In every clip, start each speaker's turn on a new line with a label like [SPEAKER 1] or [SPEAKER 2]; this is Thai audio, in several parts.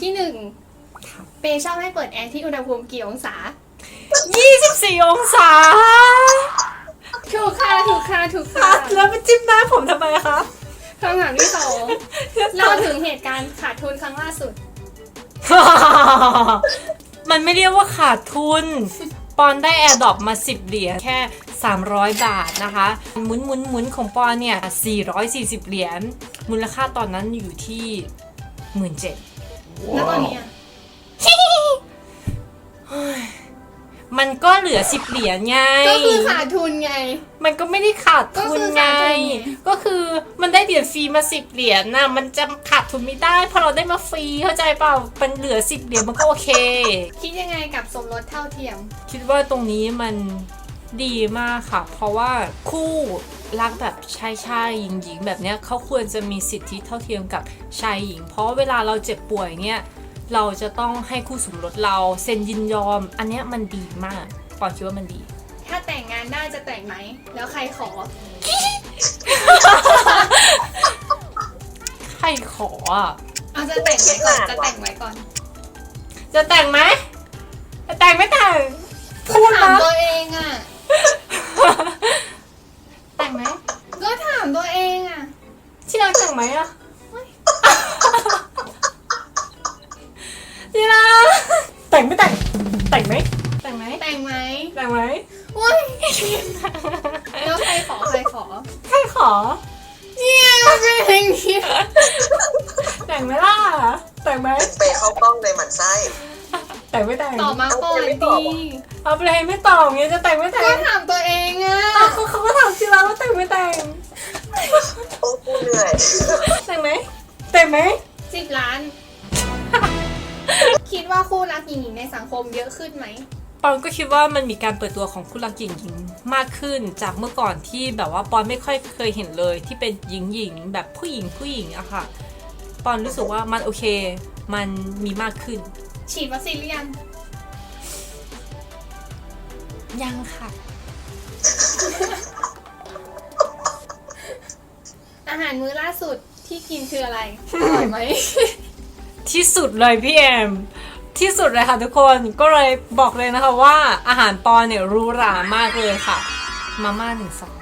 [SPEAKER 1] ที่1เปย์ชอบให้เปิดแอร์ที่อุณหภูมิกี่องศา
[SPEAKER 2] 24 องศา
[SPEAKER 1] ถูกค่ะ
[SPEAKER 2] แล้วไปจิ้มหน้าผมทำไมคะ
[SPEAKER 1] คำถามที่2เล่าถึงเหตุการณ์ขาดทุนครั้งล่าสุด
[SPEAKER 2] มันไม่เรียกว่าขาดทุนปอนได้แอร์ดรอปมา10 เหรียญแค่300 บาทนะคะหมุนของปอนเนี่ย440 เหรียญมูลค่าตอนนั้นอยู่ที่ 17,000
[SPEAKER 1] แล้วตอนนี้
[SPEAKER 2] มันก็เหลือ10 เหรียญไง
[SPEAKER 1] ก็คือขาดทุนไง
[SPEAKER 2] มันก็ไม่ได้ขาดทุนไงก็คือมันได้เหรียญฟรีมา10 เหรียญน่ะมันจะขาดทุนไม่ได้เพราะเราได้มาฟรีเข้าใจเปล่ามันเหลือ10 เหรียญมันก็โอเค
[SPEAKER 1] คิดยังไงกับสมรสเท่าเทียม
[SPEAKER 2] คิดว่าตรงนี้มันดีมากค่ะเพราะว่าคู่รักแบบชายหญิงแบบเนี้ยเขาควรจะมีสิทธิเท่าเทียมกับชายหญิงเพราะเวลาเราเจ็บป่วยเนี่ยเราจะต้องให้คู่สมรสเราเซ็นยินยอมอันเนี้ยมันดีมากปอนคิดว่ามันดี
[SPEAKER 1] ถ้าแต่งงานได้จะแต่งไหมแล้วใครขอ
[SPEAKER 2] ใครขออ่ะ
[SPEAKER 1] จะแต่งไหมก่อนจะแต่งไหมก่อน
[SPEAKER 2] จะแต่งไหมจะแต่งไม่แต่ง
[SPEAKER 1] พูดถามตัวเองอ่ะ
[SPEAKER 2] แต่งไหม
[SPEAKER 1] ก็ถามตัวเองอ่ะ
[SPEAKER 2] ที่รักแต่งไหมอ่ะที่รักแต่งไม่แต่งแต่งไหมแต่งไหม
[SPEAKER 1] แต่งไหม
[SPEAKER 2] แต่งไหม
[SPEAKER 1] อุ้ยแล้วใครขอ
[SPEAKER 2] ใครขอ
[SPEAKER 1] เนี่ยเป็นอย่างนี้
[SPEAKER 2] แต่งไหมล่ะแต่งไหม
[SPEAKER 3] ไปเข้ากล้องเลยหมั่นไส้
[SPEAKER 2] แต่งไม่แต่ง
[SPEAKER 1] ตอบมาก่อนดี
[SPEAKER 2] เอาไปเลยไม่ตอบเงี้ยจะแต่งไม่แต่ง
[SPEAKER 1] ก็ถามตัวเองอ่ะ
[SPEAKER 2] เขาก็ถามที่รักว่าแต่งไม่แต่ง
[SPEAKER 3] โอ้กูเหนื่อย
[SPEAKER 2] แต่งไหมแต่งไหม
[SPEAKER 1] 10 ล้านคิดว่าคู่รักหญิงในสังคมเยอะขึ้นไหม
[SPEAKER 2] ปอนก็คิดว่ามันมีการเปิดตัวของคู่รักหญิงมากขึ้นจากเมื่อก่อนที่แบบว่าปอนไม่ค่อยเคยเห็นเลยที่เป็นหญิงแบบผู้หญิงอะค่ะปอนรู้สึกว่ามันโอเคมันมีมากขึ้น
[SPEAKER 1] ฉีดวัคซีนหรือ
[SPEAKER 2] ยังค่ะ
[SPEAKER 1] อาหารมื้อล่าสุดที่กินคืออะไรอร่อยไหม
[SPEAKER 2] ที่สุดเลยพี่แอมที่สุดเลยค่ะทุกคนก็เลยบอกเลยนะคะว่าอาหารปอนเนี่ยหรูหรามากเลยค่ะมาม่า1 ซอง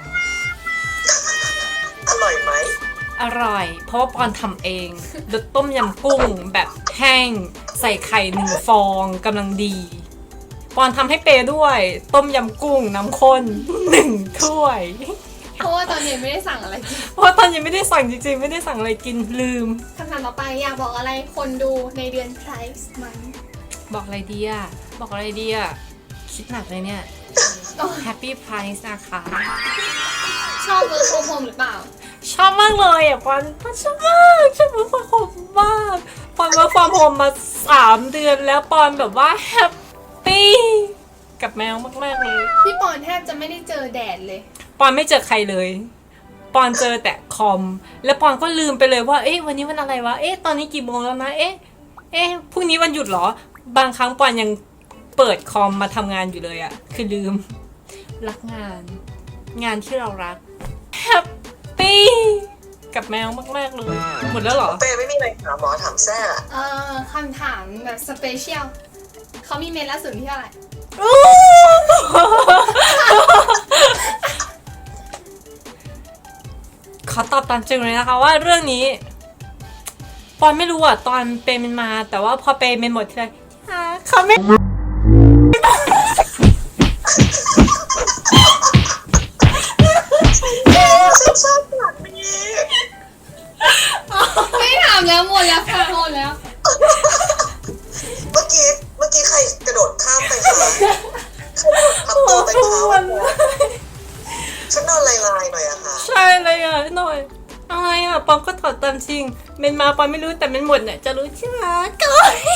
[SPEAKER 3] อร่อยไหม
[SPEAKER 2] อร่อยเพราะว่าปอนทำเองรสต้มยำกุ้งแบบแห้งใส่ไข่1 ฟองกำลังดีปอนทำให้เปด้วยต้มยำกุ้งน้ำข้น1 ถ้วย
[SPEAKER 1] เพราะว่าตอนเย็นไม่ได้สั่งอะไรกิน
[SPEAKER 2] เพราะตอนเย็นไม่ได้สั่งจริงๆไม่ได้สั่งอะไรกินลืม
[SPEAKER 1] คำถามต่อไปอยากบอกอะไรคนดูในเดือนไพรส์มัน
[SPEAKER 2] บอกอะไรดีคิดหนักเลยเนี่ย Happy Price นะคะ
[SPEAKER 1] ชอบเวิร์คโฮมหรือเปล่า
[SPEAKER 2] ชอบมากเลยอ่ะปอนชอบมากชอบเวิร์คโฮมมากปอนเวิร์คโฮมมา3 เดือนแล้วปอนแบบว่าแฮปปี้กับแมวมากๆเลย
[SPEAKER 1] พี่ปอนแทบจะไม่ได้เจอแดดเลย
[SPEAKER 2] ปอนไม่เจอใครเลยปอนเจอแต่คอมแล้วปอนก็ลืมไปเลยว่าเอ๊ะวันนี้วันอะไรวะเอ๊ะตอนนี้กี่โมงแล้วนะเอ๊ะพรุ่งนี้วันหยุดเหรอบางครั้งปอนยังเปิดคอมมาทำงานอยู่เลยอะคือลืมรักงานที่เรารักแฮปปี้กับแมวมากๆเลยหมดแล้วเหรอ
[SPEAKER 3] เป้ไม่มีอะไรถามหมอถามแซ่
[SPEAKER 1] คำถามแบบสเปเชียลเขามีเมนล่าสุดที่เท่าไหร่
[SPEAKER 2] ขอตอบตามจริงเลยนะคะว่าเรื่องนี้ปอนไม่รู้อ่ะตอนเปย์มันมาแต่ว่าพอเปย์มันหมดทีไรเขาไม่
[SPEAKER 3] ชอบหลังนี้
[SPEAKER 1] ไม่ถามแล้วหมดแล้วค่ะหมดแล้ว
[SPEAKER 3] เมื่อกี้ใครกระโดดข้ามไปคะทำตัวไปเขาชุดนอนลายๆหน่อยอะค่ะ
[SPEAKER 2] ใช่เลยอะหน่อยอะไรอะปอมก็ถอดตามจริงเมนมาปอมไม่รู้แต่เมนหมดเนี่ยจะรู้ใช่ไหมก็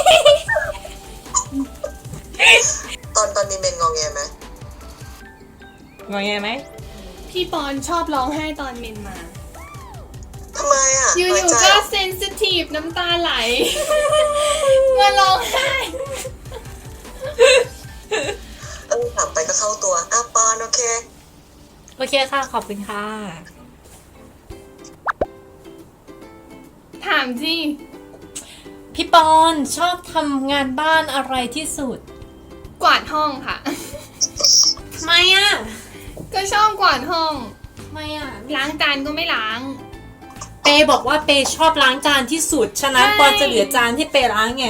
[SPEAKER 3] ตอนมีเมนงอแงไหม
[SPEAKER 2] งอแงไหม
[SPEAKER 1] พี่ปอนชอบร้องไห้ตอนเมนมา
[SPEAKER 3] ทำไมอะ
[SPEAKER 1] อยู่ๆก็เซนซิทีฟน้ำตาไหลมาร้องไห้
[SPEAKER 3] ถามไปก็เข้าตัวปอนโอเค
[SPEAKER 2] ค่ะขอบคุณค่ะ
[SPEAKER 1] ถามสิ
[SPEAKER 2] พี่ปอนชอบทำงานบ้านอะไรที่สุด
[SPEAKER 1] กวาดห้องค่ะ
[SPEAKER 2] ทำไมอ่ะ
[SPEAKER 1] ก็ชอบกวาดห้อง
[SPEAKER 2] ทำไมอ่ะ
[SPEAKER 1] ล้างจานก็ไม่ล้าง
[SPEAKER 2] เปบอกว่าเปชอบล้างจานที่สุด ฉะนั้น
[SPEAKER 1] ใช่
[SPEAKER 2] ปอนจะเหลือจานให้เปล้างไง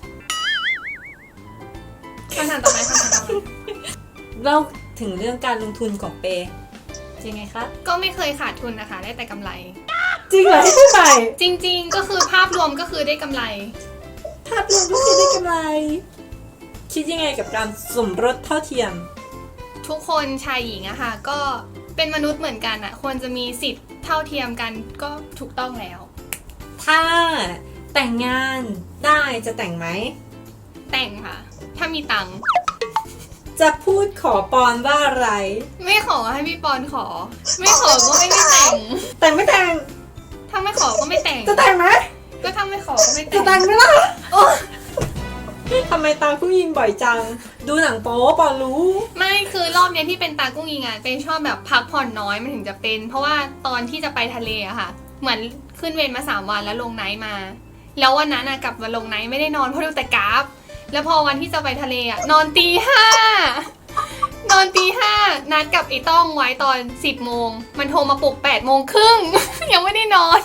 [SPEAKER 1] คำถามต่อไปคำถามต่อไป
[SPEAKER 2] เล่าถึงเรื่องการลงทุนของเปยังไงคะ
[SPEAKER 1] ก็ไม่เคยขาดทุนนะคะ ได้แต่กำไร
[SPEAKER 2] จริงเหรอพี่ใหม่
[SPEAKER 1] จริงๆ ก็คือภาพรวมก็คือได้กำไร
[SPEAKER 2] ภาพรวมก็คือได้กำไร คิดยังไงกับการสมรสเท่าเทียม
[SPEAKER 1] ทุกคนชายหญิงอะค่ะ ก็เป็นมนุษย์เหมือนกันอะควรจะมีสิทธิ์เท่าเทียมกันก็ถูกต้องแล้ว
[SPEAKER 2] ถ้าแต่งงานได้จะแต่งไหม
[SPEAKER 1] แต่งค่ะ ถ้ามีตังค์
[SPEAKER 2] จะพูดขอปอนว่าอะไร
[SPEAKER 1] ไม่ขอให้พี่ปอนขอ ไม่ขอก็ไม่ได้แต่ง
[SPEAKER 2] แต่งไม่แต่ง
[SPEAKER 1] ถ้าไม่ขอก็ไม่แต่ง
[SPEAKER 2] จะแต่งไหม
[SPEAKER 1] ก็ถ้าไม่ขอก็ไม่
[SPEAKER 2] จะ
[SPEAKER 1] แต่
[SPEAKER 2] แต่
[SPEAKER 1] ง
[SPEAKER 2] งไหมล่ะทำไมตาผู้ยิงบ่อยจัง ดูหนังโป๊ปอนรู้
[SPEAKER 1] ไม่คือรอบเนี้ยที่เป็นตากุ้งยิงอะเป็นชอบแบบพักผ่อนน้อยมันถึงจะเป็น เพราะว่าตอนที่จะไปทะเลอะค่ะ เหมือนขึ้นเวรมา3 วันแล้วลงไนท์มา แล้ววันนั้นอะกลับมาลงไนท์ไม่ได้นอนเพราะดูแต่กราฟ แล้วพอวันที่จะไปทะเลอะนอนตี 5 นอนตี 5นัดกับไอ้ต้องไว้ตอน 10 โมง มันโทรมาปลุก8 โมงครึ่ง ยังไม่ได้นอน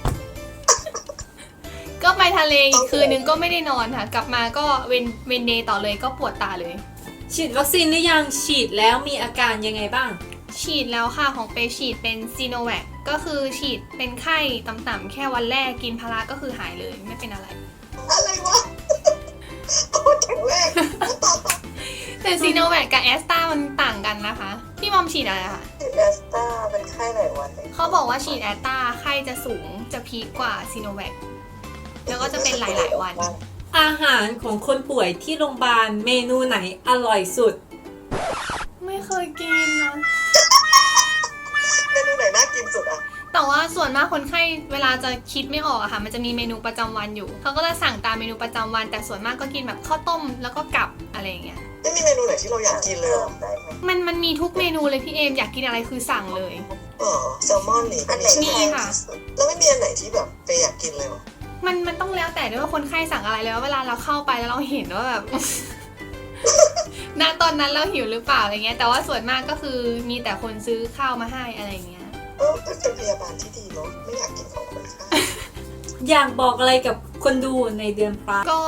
[SPEAKER 1] ก็ไปทะเลอีกคืนนึงก็ไม่ได้นอนค่ะ กลับมาก็เวนเดย์ต่อเลยก็ปวดตาเลย
[SPEAKER 2] ฉีดวัคซีนหรือยัง ฉีดแล้วมีอาการยังไงบ้าง
[SPEAKER 1] ฉีดแล้วค่ะของเปฉีดเป็นซีโนแวคก็คือฉีดเป็นไข้ต่ำๆแค่วันแรกกินพาราก็คือหายเลยไม่เป็นอะไร
[SPEAKER 3] อะไรวะโคตรแข็งแรงต่อ
[SPEAKER 1] แต่ซีโนแวคกับแอสตรามันต่างกันนะคะ พี่มอมฉีดอะไรคะ
[SPEAKER 3] ฉีดแอสตราเป็นไข้หลายวันเลย
[SPEAKER 1] เขาบอกว่าฉีดแอสตราไข้จะสูงจะพีคกว่าซีโนแวคแล้วก็จะเป็นหลายๆวัน
[SPEAKER 2] อาหารของคนป่วยที่โรงพยาบาลเมนูไหนอร่อยสุด
[SPEAKER 1] ไม่เคยกินนะ
[SPEAKER 3] เมนูไหนน่ากินสุดอ่ะ
[SPEAKER 1] แต่ว่าส่วนมากคนไข้เวลาจะคิดไม่ออกอะค่ะ มันจะมีเมนูประจำวันอยู่เขาก็จะสั่งตามเมนูประจำวัน แต่ส่วนมากก็กินแบบข้าวต้มแล้วก็กับอะไรอย่างเงี้ย
[SPEAKER 3] ไม่มีเมนูไหนที่เราอยากกินเลยเหรอ
[SPEAKER 1] มันมีทุกเมนูเลยพี่เอมอยากกินอะไรคือสั่งเลย
[SPEAKER 3] อ๋อแซลมอนนี่อันไหน
[SPEAKER 1] มีค่ะ
[SPEAKER 3] แล้วไม่มีอันไหนที่แบบไปอยากกินเลยเหรอ
[SPEAKER 1] มันต้องแล้วแต่ด้วยว่าคนไข้สั่งอะไรแล้วเวลาเราเข้าไปแล้วเราเห็นว่าแบบ ณตอนนั้นเราหิวหรือเปล่าอะไรเงี้ย แต่ว่าส่วนมากก็คือมีแต่คนซื้อข้าวมาให้อะไรเงี้ย
[SPEAKER 3] เป็นพยาบาลที่ดีเนาะไม่อยากกินของคนไข้
[SPEAKER 2] อยากบอกอะไรกับคนดูในเดือนพระ
[SPEAKER 1] ก็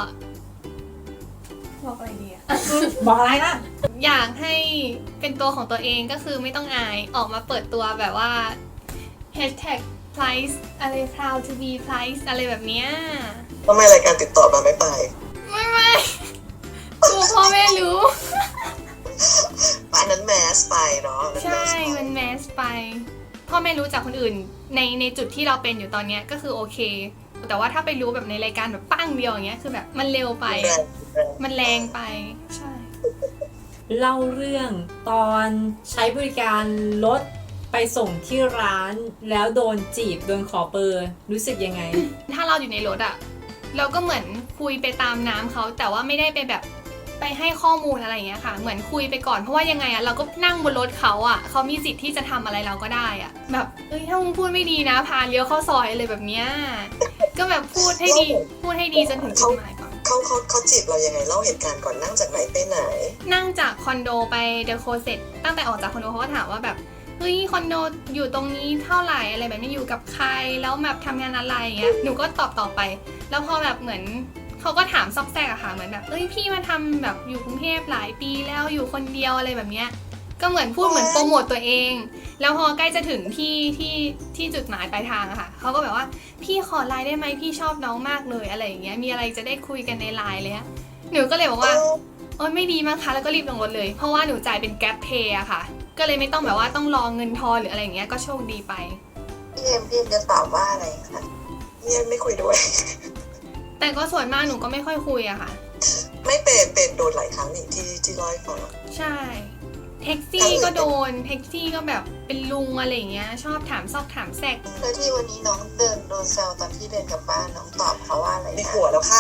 [SPEAKER 1] บอกอะไรดีอะ
[SPEAKER 2] บอกอะไรนะ
[SPEAKER 1] อยากให้เป็นตัวของตัวเองก็คือไม่ต้องอายออกมาเปิดตัวแบบว่า hashtag price อะไร proud to be price อะไรแบบเนี้ย
[SPEAKER 3] ทำไมรายการติดต่อมาไม่ไป
[SPEAKER 1] ไม่กลัวพ่อแม่รู้
[SPEAKER 3] อันนั้นแมสไปเนาะ
[SPEAKER 1] ใช่ มันแมสไป พ่อแม่รู้จากคนอื่นในจุดที่เราเป็นอยู่ตอนเนี้ยก็คือโอเค แต่ว่าถ้าไปรู้แบบในรายการแบบปั้งเดียวอย่างเงี้ยคือแบบมันเร็วไป มันแรงไป ใช่
[SPEAKER 2] เล่าเรื่องตอนใช้บริการรถไปส่งที่ร้านแล้วโดนจีบโดนขอเบอร์รู้สึกยังไง
[SPEAKER 1] ถ้าเราอยู่ในรถอะเราก็เหมือนคุยไปตามน้ำเขาแต่ว่าไม่ได้ไปแบบไปให้ข้อมูลอะไรอย่างเงี้ยค่ะ เหมือนคุยไปก่อนเพราะว่ายังไงอะเราก็นั่งบนรถเขาอะเขามีสิทธิ์ที่จะทำอะไรเราก็ได้อะแบบถ้ามึงพูดไม่ดีนะพาเลี้ยวเข้าซอยอะไรแบบเนี้ยก็แบบพูดให้ดีจนถึงจุดหมายก่อน
[SPEAKER 3] เขาจีบเรายังไงเล่าเหตุการณ์ก่อนนั่งจากไหนไปไหน
[SPEAKER 1] นั่งจากคอนโดไปเดอะโคเซ็ตตั้งแต่ออกจากคอนโดเขาก็ถามว่าแบบเฮ้ยคอนโดอยู่ตรงนี้เท่าไหร่อะไรแบบนี้อยู่กับใครแล้วแบบทำงานอะไรอย่างเงี้ยหนูก็ตอบไป แล้วพอแบบเหมือนเขาก็ถามซอกแซกอะค่ะเหมือนแบบพี่มาทำแบบอยู่กรุงเทพหลายปีแล้วอยู่คนเดียวอะไรแบบเนี้ยก็เหมือนพูดเหมือนโปรโมตตัวเอง แล้วพอใกล้จะถึงที่จุดหมายปลายทางอะค่ะเขาก็แบบว่าพี่ขอไลน์ได้ไหมพี่ชอบน้องมากเลยอะไรอย่างเงี้ยมีอะไรจะได้คุยกันในไลน์เลยอะหนูก็เลยบอกว่า โอ๊ยไม่ดีมั้งคะแล้วก็รีบลงรถเลยเพราะว่าหนูจ่ายเป็นแก๊ปเพย์อะค่ะก็เลยไม่ต้องแบบว่าต้องรอเงินทอนหรืออะไรอย่างเงี้ยก็โชคดีไป
[SPEAKER 3] พี่เอ็มจะตอบว่าอะไรคะพี่เอ็มไม่คุยด้วย
[SPEAKER 1] แต่ก็ส่วนมากหนูก็ไม่ค่อยคุยอะค่ะ
[SPEAKER 3] ไม่เป็นโดนหลายครั้งนี่ที่เล่าให้ฟัง
[SPEAKER 1] ใช่แท็กซี่ก็โดนแท็กซี่ก็แบบเป็นลุงอะไรอย่างเงี้ยชอบถามซอกถามแซก
[SPEAKER 3] แล้วที่วันนี้น้องเดินโดนแซวตอนที่เดินกลับบ้านน้องตอบเขาว่าอะไรมีผัวแล้วค่ะ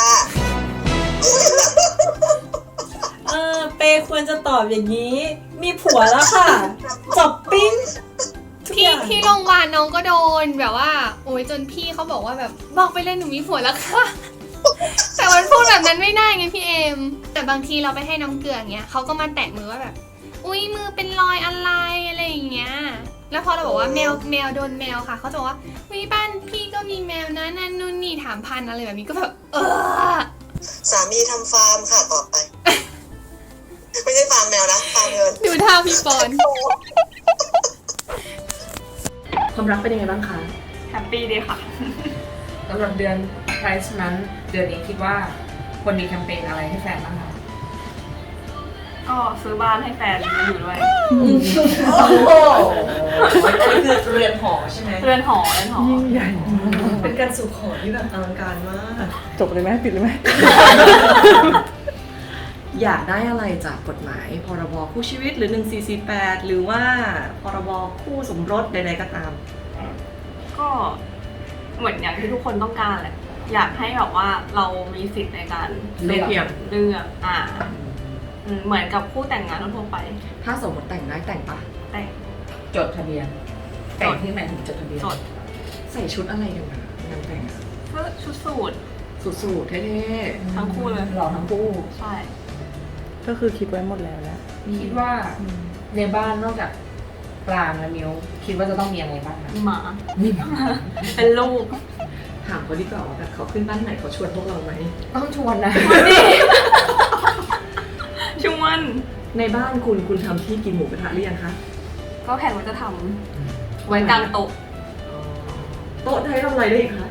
[SPEAKER 2] เปควรจะตอบอย่างนี้ มีผัวแล้วค่ะ จบปิ้งทุกอย่าง
[SPEAKER 1] ที่โรงพยาบาลน้องก็โดนแบบว่าโอ้ยจนพี่เขาบอกว่าแบบบอกไปเลยหนูมีผัวแล้วค่ะแต่มันพูดแบบนั้นไม่ได้ไงพี่เอมแต่บางทีเราไปให้น้ำเกลืออย่างเงี้ยเขาก็มาแตะมือว่าแบบอุ้ยมือเป็นรอยอะไรอะไรอย่างเงี้ยแล้วพอเราบอกว่าแมวโดนแมวค่ะเขาจะบอกว่าวิบ้านพี่ก็มีแมวนะนั่นนู่นนี่ถามพันอะไรแบบนี้ก็แบบ
[SPEAKER 3] สามีทำฟาร์มค่ะต่อไป ไม่ใช่ฟาร์มแมวนะฟาร์มเงิน
[SPEAKER 1] ดูท่าพี่ปอน
[SPEAKER 4] ความรักเป็นยังไงบ้างคะ
[SPEAKER 5] แฮปปี้ดีค่ะ
[SPEAKER 4] สำหรับเดือน Price นั้นเดือนนี้คิดว่าควรมีแคมเปญอะไรให้แฟนบ้างคะ
[SPEAKER 5] ก็ซื้อบ้านให้แฟนมาอยู่ด้วย
[SPEAKER 4] โอ้โหอันนี้คือเรือนหอใช่ไหม
[SPEAKER 5] เรือนหอ
[SPEAKER 4] ยิ่งใหญ่เป็นการสู่ขอที่แบบอลังการมาก
[SPEAKER 6] จบเลยไหมปิดเลยไหม
[SPEAKER 4] อยากได้อะไรจากกฎหมายพรบคู่ชีวิตหรือ 1448 หรือว่าพรบคู่สมรสใดๆก็ตาม
[SPEAKER 5] ก็เหมือนอย่างที่ทุกคนต้องการแหละ อยากให้แบบว่าเรามีสิทธิ์ในการ
[SPEAKER 4] เลือก
[SPEAKER 5] เลือกเหมือนกับคู่แต่งงานทั่วไป
[SPEAKER 4] ถ้าสมมติแต่งได้แต่งปะ
[SPEAKER 5] แต่ง
[SPEAKER 4] จดทะเบียน แต่งที่หมายถึงจดทะเบียน
[SPEAKER 5] จด
[SPEAKER 4] ใส่ชุดอะไรกันนะงานแต่งอะ
[SPEAKER 5] เพื่อชุดสูท
[SPEAKER 4] สูทๆเท่ๆ
[SPEAKER 5] ทั้งคู่เลย
[SPEAKER 4] หล่อทั้งคู่
[SPEAKER 5] ใช่
[SPEAKER 6] ก็คือคิดไว้หมดแล้วแหละ
[SPEAKER 4] คิดว่าในบ้านนอกจากปรางและมิวคิดว่าจะต้องมีอะไรบ้างคะ
[SPEAKER 5] หมา เป็นลูก
[SPEAKER 4] ถามเขาดีกว่าว่าแบบเขาขึ้นบ้านไหนเขาชวนพวกเราไหมต้องชวนนะ
[SPEAKER 5] ชวน
[SPEAKER 4] ในบ้านคุณทำที่กินหมูกระทะหรือยังคะ
[SPEAKER 5] ก็แผนว่าจะทำไว้กลางโต๊ะ
[SPEAKER 4] โต๊ะให้ทำอะไรได้อีกคะ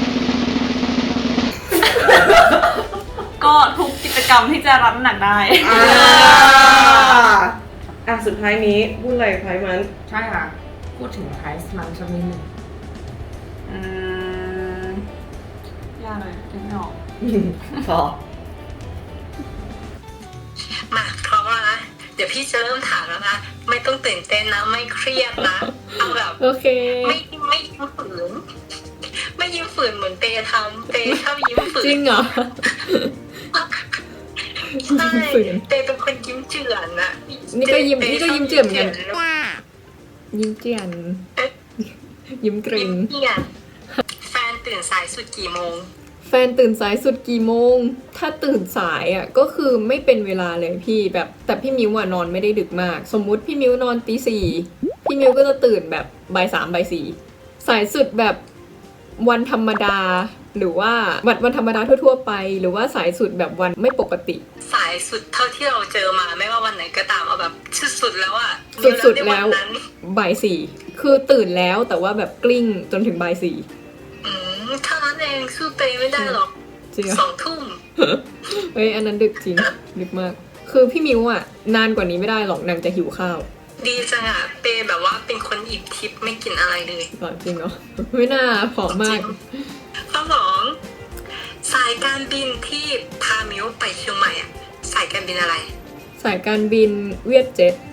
[SPEAKER 5] ก็ทุกกิจกรรมที่จะรับน้ำหนักได้
[SPEAKER 6] สุดท้ายนี้พูดอะไรไพมัน
[SPEAKER 4] ใช่ค่ะ พูดถึงไพรซ์มันสักนิดหนึ่ง
[SPEAKER 5] ยากเลยคิดไม่ออก
[SPEAKER 6] พอ
[SPEAKER 3] มาพร้อมแล้วนะเดี๋ยวพี่จะเริ่มถามแล้วนะไม่ต้องตื่นเต้นนะไม่เครียดนะเอาแบบ
[SPEAKER 1] โอเค
[SPEAKER 3] ไม่ยิ้มฝืนไม่ยิ้มฝืนเหมือนเตทำเตชอบยิ้มฝืน
[SPEAKER 1] จริงเหรอ
[SPEAKER 3] ใช่
[SPEAKER 1] ฝืน
[SPEAKER 3] เตเป็นคนยิ้มเจือนนะ
[SPEAKER 1] นี่ก็ยิ้มเจือนเหมือนกัน ยิ้มเจียน ยิ้มเกร
[SPEAKER 3] ยิ้
[SPEAKER 1] ง
[SPEAKER 3] มเจือนแฟนตื่นสายสุดกี่โมง
[SPEAKER 1] แฟนตื่นสายสุดกี่โมง ถ้าตื่นสายอ่ะก็คือไม่เป็นเวลาเลยพี่แบบแต่พี่มิวอะนอนไม่ได้ดึกมาก สมมุติพี่มิวนอนตี 4พี่มิวก็จะตื่นแบบบ่าย 3บ่าย 4สายสุดแบบวันธรรมดา หรือว่าวันธรรมดาทั่วๆไป หรือว่าสายสุดแบบวันไม่ปกติ
[SPEAKER 3] สายสุดเท่าที่เราเจอมาไม่ว่าวันไหนก็ตามเอาแบบสุดๆแล้วอะ
[SPEAKER 1] สุดๆแล้ว
[SPEAKER 3] ในนนั้น
[SPEAKER 1] บ่าย 4คือตื่นแล้วแต่ว่าแบบกลิ้งจนถึงบ่าย 4
[SPEAKER 3] เท่านั้นเองสู้เตไม่ได้หรอก
[SPEAKER 1] จริงเหรอ
[SPEAKER 3] 2 ทุ่ม
[SPEAKER 1] เฮ้ยอันนั้นดึกจริงดึกมาก คือพี่มิวอ่ะนานกว่านี้ไม่ได้หรอกนางจะหิวข้าว
[SPEAKER 3] ดีจังอะเปแบบว่าเป็นคนอิ่มทิพย์ไม่กินอะไรเลย
[SPEAKER 1] ก่อนจริงเหรอไม่น่าผอมมาก
[SPEAKER 3] ข้อสองสายการบินที่พามิวไปเชียงใหม่อะสายการบินอะไร
[SPEAKER 1] สายการบินเวียดเจ็ต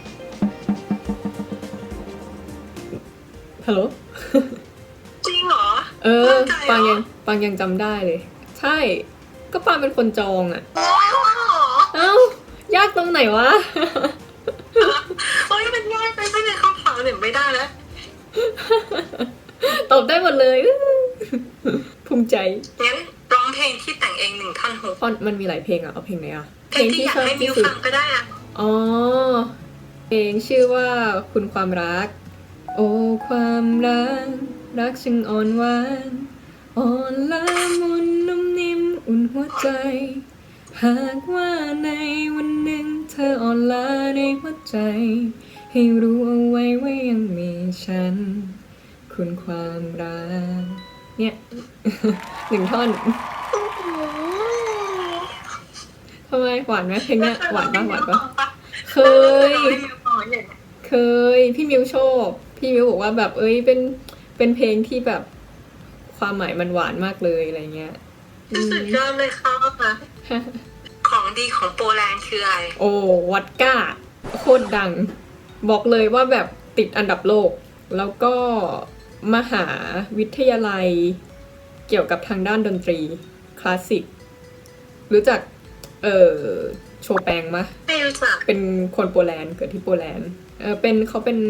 [SPEAKER 1] ฮัลโหล
[SPEAKER 3] จริงเหรอ
[SPEAKER 1] มั่นใจ
[SPEAKER 3] เหรอ
[SPEAKER 1] ปังยังจำได้เลย ใช่ ก็ปางเป็นคนจองอ่ะ
[SPEAKER 3] โอ้ยเหรอ
[SPEAKER 1] เอ้ายากตรงไหนวะ
[SPEAKER 3] โอ้ยมันง่ายไปไม่ได้คำถามเนี่ยไม่ได้แล้ว
[SPEAKER 1] ตอบได้หมดเลย ภูมิใจ
[SPEAKER 3] งั้นร้องเพลงที่แต่งเอง1 ท่อนฮุก
[SPEAKER 1] ตอนมันมีหลายเพลงอ่ะเอาเพลงไหนอ่ะ
[SPEAKER 3] เพลงที่อยากให้มิวฟังก็ได้อะ
[SPEAKER 1] อ๋อ เพลงชื่อว่าคุณความรัก โอ้ความรัก รักช่างอ่อนหวานอ่อนละมุนนุ่มนิ่มอุ่นหัวใจ หากว่าในวันหนึ่งเธออ่อนล้าในหัวใจ ให้รู้เอาไว้ว่ายังมีฉัน คุณความรัก เนี่ย 1 ท่อนทำไมหวานไหมเพลงเนี้ยหวานปะเคย เคย พี่มิวชอบพี่มิวบอกว่าแบบเอ้ยเป็นเพลงที่แบบความหมายมันหวานมากเลยอะไรเงี้ย
[SPEAKER 3] สุดยอดเลยค่ะของดีของโปแลนด์คืออะไร
[SPEAKER 1] โอ้วอดก้าโคตรดัง บอกเลยว่าแบบติดอันดับโลก แล้วก็มหาวิทยาลัยเกี่ยวกับทางด้านดนตรีคลาสสิกรู้จักโชแปงมะ
[SPEAKER 3] ไม่รู้จัก
[SPEAKER 1] เป็นคนโปแลนด์เกิดที่โปแลนด์เขาเป็น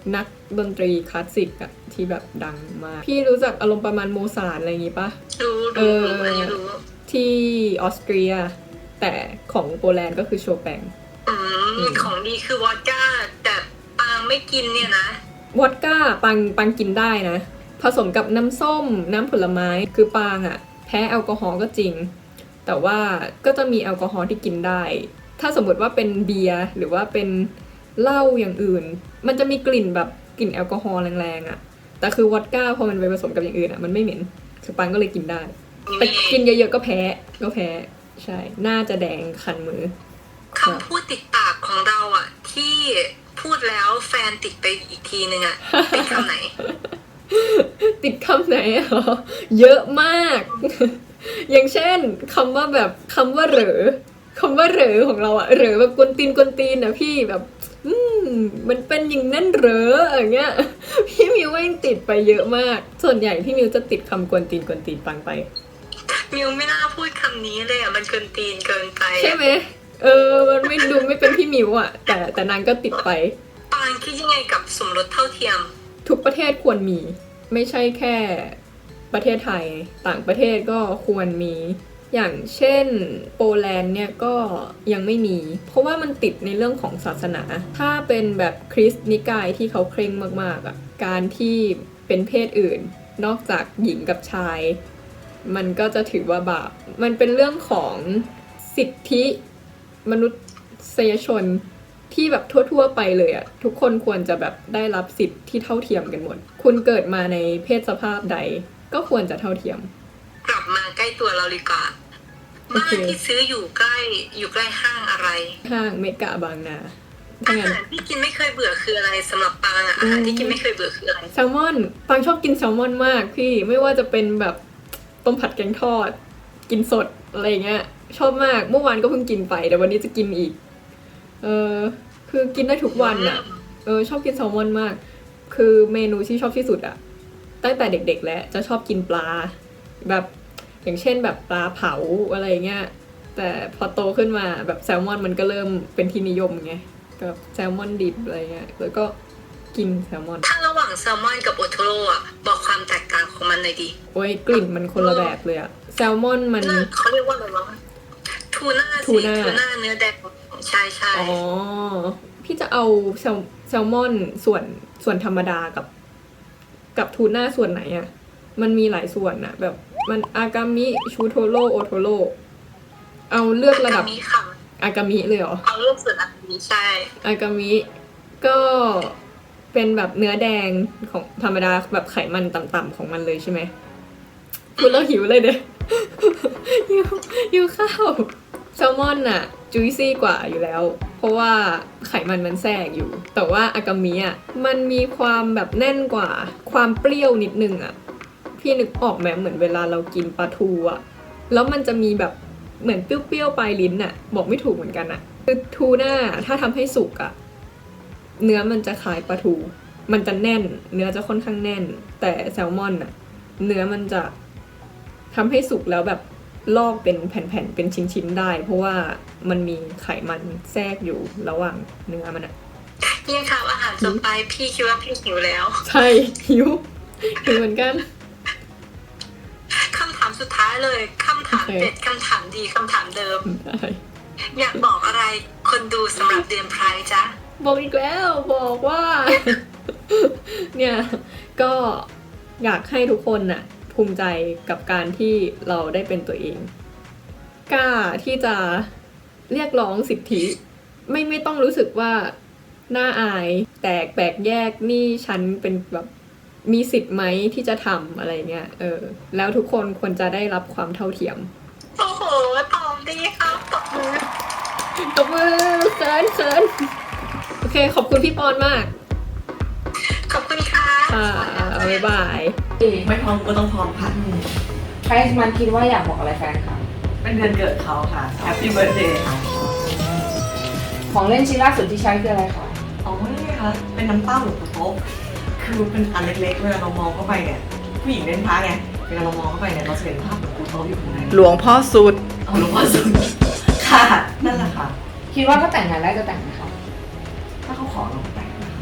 [SPEAKER 7] นักดนตรีคลาสสิกอะที่แบบดังมาก พี่รู้จักอารมณ์ประมาณโมซาร์ทอะไรอย่างงี้ปะ
[SPEAKER 3] รู้อันนี้รู้
[SPEAKER 7] ที่ออสเตรีย แต่ของโปแลนด์ก็คือโชแปง
[SPEAKER 3] ของดีคือวอดก้าแต่ปางไม่กินเนี่ยนะ
[SPEAKER 7] วอดก้าปังกินได้นะ ผสมกับน้ำส้มน้ำผลไม้คือปางอะแพ้แอลกอฮอล์ก็จริง แต่ว่าก็จะมีแอลกอฮอล์ที่กินได้ ถ้าสมมติว่าเป็นเบียร์หรือว่าเป็นเหล้าอย่างอื่น มันจะมีกลิ่นแบบกลิ่นแอลกอฮอล์แรงๆอะแต่คือวอดก้าพอมันไปผสมกับอย่างอื่นอะมันไม่เหม็นคือปังก็เลยกินได้ แต่กินเยอะๆก็แพ้ใช่น่าจะแดงคันมือ
[SPEAKER 3] คำพูดติดปากของเราอ่ะ ที่พูดแล้วแฟนติดไปอีกทีนึงอ่ะ เป็นคำไหน
[SPEAKER 7] ติดคำไหนเหรอเยอะมาก อย่างเช่นคำว่าเหรอคำว่าเหรอของเราอะเหรอแบบกวนตีนนะพี่แบบมันเป็นอย่างนั้นเหรออย่างเงี้ย พี่มิวว่ายังติดไปเยอะมาก ส่วนใหญ่พี่มิวจะติดคำกวนตีนปังไป
[SPEAKER 3] มิวไม่น่าพูดคำนี้เลยอ่ะมันเกินตีนเกินไป
[SPEAKER 7] ใช่ไหมมันไม่ดูไม่เป็นพี่มิวอะแต่นางก็ติดไป
[SPEAKER 3] ปางคิดยังไงกับสมรสเท่าเทียม
[SPEAKER 7] ทุกประเทศควรมี ไม่ใช่แค่ประเทศไทยต่างประเทศก็ควรมี อย่างเช่นโปแลนด์เนี่ยก็ยังไม่มี เพราะว่ามันติดในเรื่องของศาสนา ถ้าเป็นแบบคริสต์นิกายที่เขาเคร่งมากๆอ่ะการที่เป็นเพศอื่นนอกจากหญิงกับชาย มันก็จะถือว่าบาปมันเป็นเรื่องของสิทธิมนุษยชนที่แบบทั่วๆไปเลยอะทุกคนควรจะแบบได้รับสิทธิ์ที่เท่าเทียมกันหมดคุณเกิดมาในเพศสภาพใดก็ควรจะเท่าเทียม
[SPEAKER 3] กลับมาใกล้ตัวเราดีกว่า
[SPEAKER 7] โอ
[SPEAKER 3] บ้าน
[SPEAKER 7] เค
[SPEAKER 3] ที่ซื้ออยู่ใกล้ห้างอะไร
[SPEAKER 7] ห้างเมกะบางนา
[SPEAKER 3] อา
[SPEAKER 7] ถ้างั้น
[SPEAKER 3] หารที่กินไม่เคยเบื่อคืออะไรสำหรับปางอ่ะอาหารที่กินไม่เคยเบื่อคืออะไร
[SPEAKER 7] แซลมอนปังชอบกินแซลมอนมากพี่ไม่ว่าจะเป็นแบบต้มผัดแกงทอด กินสดอะไรเงี้ยชอบมากเมื่อวานก็เพิ่งกินไปแต่วันนี้จะกินอีกคือกินได้ทุกวันอะชอบกินแซลมอนมาก คือเมนูที่ชอบที่สุดอะตั้งแต่เด็กๆแล้วจะชอบกินปลาแบบอย่างเช่นแบบปลาเผาอะไรเงี้ยแต่พอโตขึ้นมาแบบแซลมอนมันก็เริ่มเป็นที่นิยมไงกับแซลมอนดิบอะไรเงี้ยแล้วก็กินแซลมอน
[SPEAKER 3] ถ้าระหว่างแซลมอนกับโอโทโร่อ่ะบอกความแตกต่างของมันหน่อยดิ
[SPEAKER 7] โอ้ยกลิ่นมันคนละแบบเลยอะแซลมอนมัน
[SPEAKER 3] น่าเขาเรียกว่าอะไรวะทูน่า
[SPEAKER 7] ทูน่า
[SPEAKER 3] เนื้อแดงใช่
[SPEAKER 7] อ๋อพี่จะเอาแซลมอนส่วนธรรมดากับทูน่าส่วนไหนอะมันมีหลายส่วนอะแบบมันอากามิชูโทโร่โอโทโร่เอาเลือกระดับ
[SPEAKER 3] มีค่ะ
[SPEAKER 7] อากามิเลยเหรอ
[SPEAKER 3] เอาเรื่องส่วนอันนี้ใช่
[SPEAKER 7] อากามิก็เป็นแบบเนื้อแดงของธรรมดาแบบไขมันต่ำๆของมันเลยใช่ไหมพูดแล้วหิวเลยเด้ หิวข้าวแซลมอนอะจุยซี่กว่าอยู่แล้ว เพราะว่าไขมันแทรกอยู่ แต่ว่าอากามิอะมันมีความแบบแน่นกว่าความเปรี้ยวนิดนึงอะพี่นึกออกไหมเหมือนเวลาเรากินปลาทูอะแล้วมันจะมีแบบเหมือนเปรี้ยวๆปลายลิ้นอะบอกไม่ถูกเหมือนกันอะคือทูน่าถ้าทำให้สุกอะเนื้อมันจะคล้ายปลาทูมันจะแน่นเนื้อจะค่อนข้างแน่น แต่แซลมอนอะเนื้อมันจะทำให้สุกแล้วแบบลอกเป็นแผ่นๆเป็นชิ้นๆได้ เพราะว่ามันมีไขมันแทรกอยู่ระหว่างเนื้อมันอะ
[SPEAKER 3] ยังข่าวอาหารจบไปพี่คิดว่าพี่หิวแล้ว
[SPEAKER 7] ใช่หิวเหมือนกัน
[SPEAKER 3] คำถามสุดท้ายเลยคำถาม
[SPEAKER 7] โอเค
[SPEAKER 3] เด็ดคำถามดีคำถามเดิม
[SPEAKER 7] ได้
[SPEAKER 3] อยากบอกอะไรคนดูสำหรับเดือนไพร์จ๊ะ
[SPEAKER 7] บอกอีกแล้วบอกว่า เนี่ยก็อยากให้ทุกคนน่ะภูมิใจกับการที่เราได้เป็นตัวเองกล้าที่จะเรียกร้องสิทธิไม่ต้องรู้สึกว่าน่าอายแปลกแยกนี่ฉันเป็นแบบมีสิทธิ์ไหมที่จะทำอะไรเงี้ยแล้วทุกคนควรจะได้รับความเท่าเทียม
[SPEAKER 3] โอ้โหตอบดีครับตบมือ
[SPEAKER 7] ตบมือเคินโอเคขอบคุณพี่ปอนมาก
[SPEAKER 3] ขอบคุณค่ะ
[SPEAKER 7] ค่ะบ๊ายบาย
[SPEAKER 4] ไม่พร้อมก็ต้องพร้อมค่ะ
[SPEAKER 2] ใครมันคิดว่าอยากบอกอะไรแฟนคะ
[SPEAKER 4] เป็นเดือนเกิดเขาค่ะ Happy Birthday ค่ะ
[SPEAKER 2] ของเล่นชิ้นล่าสุดที่ใช้คืออะไรคะ
[SPEAKER 4] อ๋อนี่ค่ะเป็นน้ำเต้าหลวงปู่โต๊ะคือเป็นอันเล็กๆเวลาเรามองเข้าไปเนี่ยผู้หญิงเล่นพระไงเวลาเรามองเข้าไปเนี่ยเราจะเห็นภาพหลวงปู่โต๊ะอยู่ข้างใน
[SPEAKER 6] หลวงพ่อสุด
[SPEAKER 4] เอาหลวงพ่อสุดค่ะนั่นแหละค่ะ
[SPEAKER 2] คิดว่าถ้าแต่งงานได้จะแต่งไหมคะ
[SPEAKER 4] ถ้าเขาขอเราก็แต่งนะคะ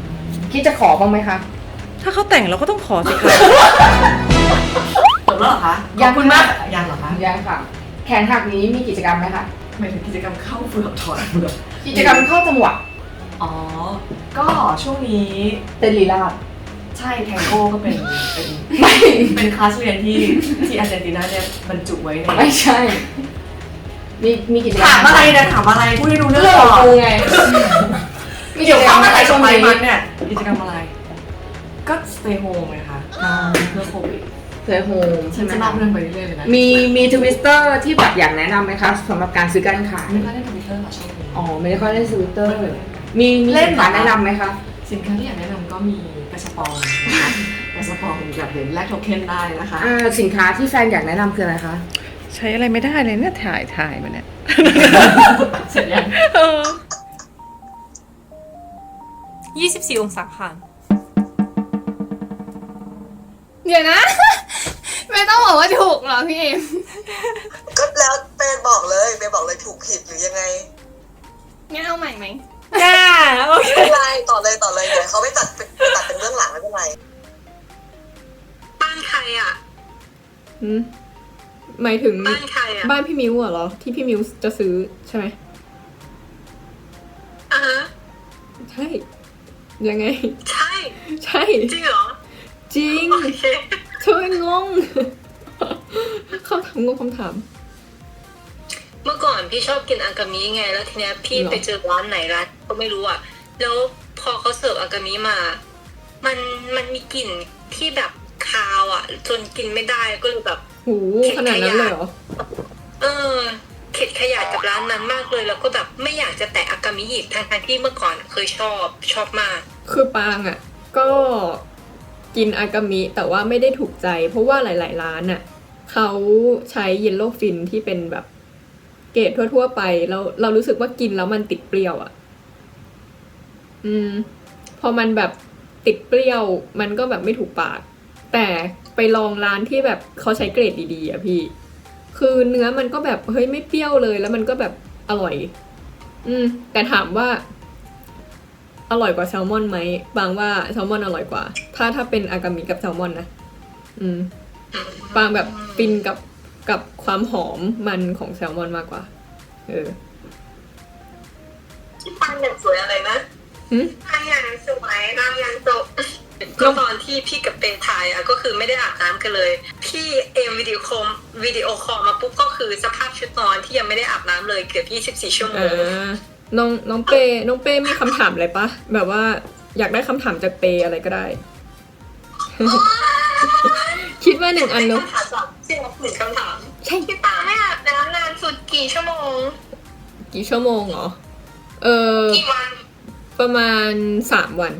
[SPEAKER 7] คิดจะขอบ้างไหมคะ
[SPEAKER 6] ถ้าเขาแต่งเราก็ต้องขอสิคะ
[SPEAKER 4] จบแล้วเหรอคะ
[SPEAKER 7] ยัง
[SPEAKER 4] ขอบคุณมากยังเหรอคะ
[SPEAKER 7] ยังค่ะ แขนหักนี้มีกิจกรรมไหมคะ
[SPEAKER 4] หมายถึงกิจกรรมเข้าเฟือกถอดเฟือก
[SPEAKER 7] กิจกรรมเข้าจังหวะ
[SPEAKER 4] อ๋อ ก็ช่วงนี้
[SPEAKER 7] เต้นลีลาด
[SPEAKER 4] ใช่แทงโก้ก็เป็นเป็นคลาสเรียนที่อาร์เจนตินาเนี่ยบรรจุไว้ใน
[SPEAKER 7] ไม่ใช่ มีกิจกรรม
[SPEAKER 4] ถามอะไรนะถามอะไรพูดให้รู้เรื่
[SPEAKER 7] เรื่
[SPEAKER 4] อ
[SPEAKER 7] อง ง
[SPEAKER 4] ก่
[SPEAKER 7] ข
[SPEAKER 4] อ
[SPEAKER 7] อง
[SPEAKER 4] น
[SPEAKER 7] กูไง มีกิ
[SPEAKER 4] เดี๋
[SPEAKER 7] จ
[SPEAKER 4] ยว
[SPEAKER 7] กรร
[SPEAKER 4] เข้าม มา
[SPEAKER 7] อะไร
[SPEAKER 4] ใส่
[SPEAKER 7] ช่วง
[SPEAKER 4] ไป
[SPEAKER 7] นี้
[SPEAKER 4] มันเนี่ยกิจกรรมอะไร ก็ stay home ไงคะเพื่อโควิด
[SPEAKER 7] เซอร์โฮม
[SPEAKER 4] ฉั
[SPEAKER 7] ใช่
[SPEAKER 4] น
[SPEAKER 7] ไหม
[SPEAKER 4] จะเล่าเรื่องไปเรื่อยๆเลยนะ
[SPEAKER 7] มีทวิสเตอร์ที่แบบอยากแนะนำไหมคะสำหรับการซื้อการขาย
[SPEAKER 4] ไม่ค่อยได้ทวิตเตอร์ค่ะช่วงนี้
[SPEAKER 7] อ๋อ ไม่ได้ค่อยได้ทวิสเตอร์มีสินค้าแนะนำไหมคะ
[SPEAKER 4] สินค้าที่อยากแนะนำก็มีกระสปองนะคะกระสปองแบบเหรียญแลกโทเค็นได้นะคะ
[SPEAKER 7] สินค้าที่แฟนอยากแนะนำคืออะไรคะ
[SPEAKER 6] ใช้อะไรไม่ได้เลยเนี่ยถ่ายมาเนี่ย
[SPEAKER 4] เสร็จยัง
[SPEAKER 2] 24 องศาค่ะ
[SPEAKER 1] เดี๋ยวนะ ไม่ต้องบอกว่าถูกหรอพี่เอม
[SPEAKER 3] ก็แล้วเปย์บอกเลยถูกผิดหรือยังไง
[SPEAKER 1] งั้นเอาใหม่ไหม
[SPEAKER 2] จ้า โอเค
[SPEAKER 3] ไม่เป็นไรต่อเลยเดี๋ยวเขาไปตัดเป็นเรื่องหลังไม่เป็นไรบ้านใครอ่ะ
[SPEAKER 7] หมายถึง
[SPEAKER 3] บ้านใครอ่ะ
[SPEAKER 7] บ้านพี่มิวเหรอ ที่พี่มิวจะซื้อใช่ไหม
[SPEAKER 3] อ่ะฮะ
[SPEAKER 7] ใช่ ยังไง
[SPEAKER 3] ใช่
[SPEAKER 7] ใช่
[SPEAKER 3] จริงเหรอ
[SPEAKER 7] จริง
[SPEAKER 3] โอเค
[SPEAKER 7] ช่วยงง คำถามงงคำถาม
[SPEAKER 8] เมื่อก่อนพี่ชอบกินอากามิไงแล้วทีเนี้ยพี่
[SPEAKER 7] หรอ
[SPEAKER 8] ไปเจอร้านไหนร้านก็ไม่รู้อ่ะแล้วพอเขาเสิร์ฟอากามิมา มันมีกลิ่นที่แบบคาวอ่ะ จนกินไม่ได้ก็เลยแบบ
[SPEAKER 7] หูขนาดนั้นเลยเหรอ
[SPEAKER 8] เข็ดขยะกับร้านนั้นมากเลยแล้วก็แบบไม่อยากจะแตะอากามิอีกทั้งที่เมื่อก่อนเคยชอบมาก
[SPEAKER 7] คือปางอ่ะ ก็กินอากามิแต่ว่าไม่ได้ถูกใจ เพราะว่าหลาย ๆ ร้านอ่ะเขาใช้เยลโล่ฟินที่เป็นแบบเกรดทั่ว ๆ ไปแล้วเรารู้สึกว่ากินแล้วมันติดเปรี้ยวอ่ะ พอมันแบบติดเปรี้ยวมันก็แบบไม่ถูกปาก แต่ไปลองร้านที่แบบเขาใช้เกรดดีๆอ่ะพี่ คือเนื้อมันก็แบบเฮ้ยไม่เปรี้ยวเลยแล้วมันก็แบบอร่อย แต่ถามว่าอร่อยกว่าแซลมอนไหมบางว่าแซลมอนอร่อยกว่า ถ้าเป็นอากามิกับแซลมอนนะบางแบบฟินกับความหอมมันของแซลมอนมากกว่า
[SPEAKER 3] ปังอย่างสวยอะไรนะ ปังอย่างสวยปังอย่างจบก็ตอนที่พี่กับเปย์ถ่ายอ่ะก็คือไม่ได้อาบน้ำกันเลย พี่เอ็มวิดีโอคอลมาปุ๊บก็คือสภาพชุดนอนที่ยังไม่ได้อาบน้ำเลยเกือบ24 ชั่วโมง
[SPEAKER 7] น้องเป้มีคำถามอะไรปะแบบว่าอยากได้คำถามจากเปอะไรก็ได้ คิดว่า1 อันเนอะ
[SPEAKER 3] คำถามจากที่เราหนึ่งคำถาม
[SPEAKER 7] ใช่
[SPEAKER 3] พี่ปังไม่อาบน้ำนานสุดกี่ชั่วโมง
[SPEAKER 7] กี่ชั่วโมงเหรอ
[SPEAKER 3] กี่วัน
[SPEAKER 7] ประมาณ3 วัน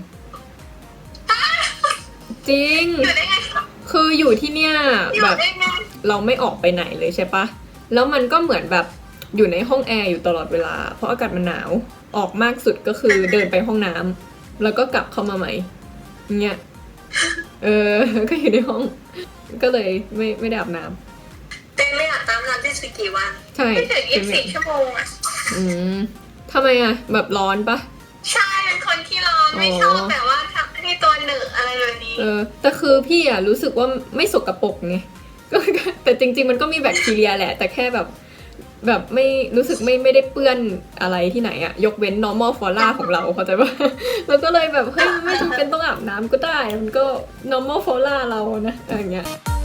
[SPEAKER 7] จริง
[SPEAKER 3] อยู่ได้ไงคะ
[SPEAKER 7] คืออยู่ที่เนี่ย
[SPEAKER 3] อยู่
[SPEAKER 7] แบบ
[SPEAKER 3] ได้ไง
[SPEAKER 7] เราไม่ออกไปไหนเลยใช่ปะแล้วมันก็เหมือนแบบอยู่ในห้องแอร์อยู่ตลอดเวลา เพราะอากาศมันหนาว ออกมากสุดก็คือเดินไปห้องน้ำแล้วก็กลับเข้ามาใหม่เงี้ย ก็อยู่ในห้อง ก็เลยไม่ได้อาบน้ำ
[SPEAKER 3] เป็นไม่อาบน้ำนานที่สุดกี่วัน
[SPEAKER 7] ใช่
[SPEAKER 3] ไม่ถึง24 ชั่วโมงอ่ะ
[SPEAKER 7] ทำไมอะแบบร้อนปะ
[SPEAKER 3] ใช่เป็นคนที่ร้อนไม่ชอบแบบว่าทำให้ตัวเหนอะอะไรแบบนี้
[SPEAKER 7] แต่คือพี่อะรู้สึกว่าไม่สกปรกไง ก็แต่จริงๆมันก็มีแบคทีเรียแหละ แต่แค่แบบไม่รู้สึกไม่ได้เปื้อนอะไรที่ไหนอะยกเว้น normal flora ของเราเข้าใจปะ แล้วก็เลยแบบเฮ้ยไม่จำเป็นต้องอาบน้ำก็ได้ มันก็ normal flora เรานะอะไรอย่างเงี้ย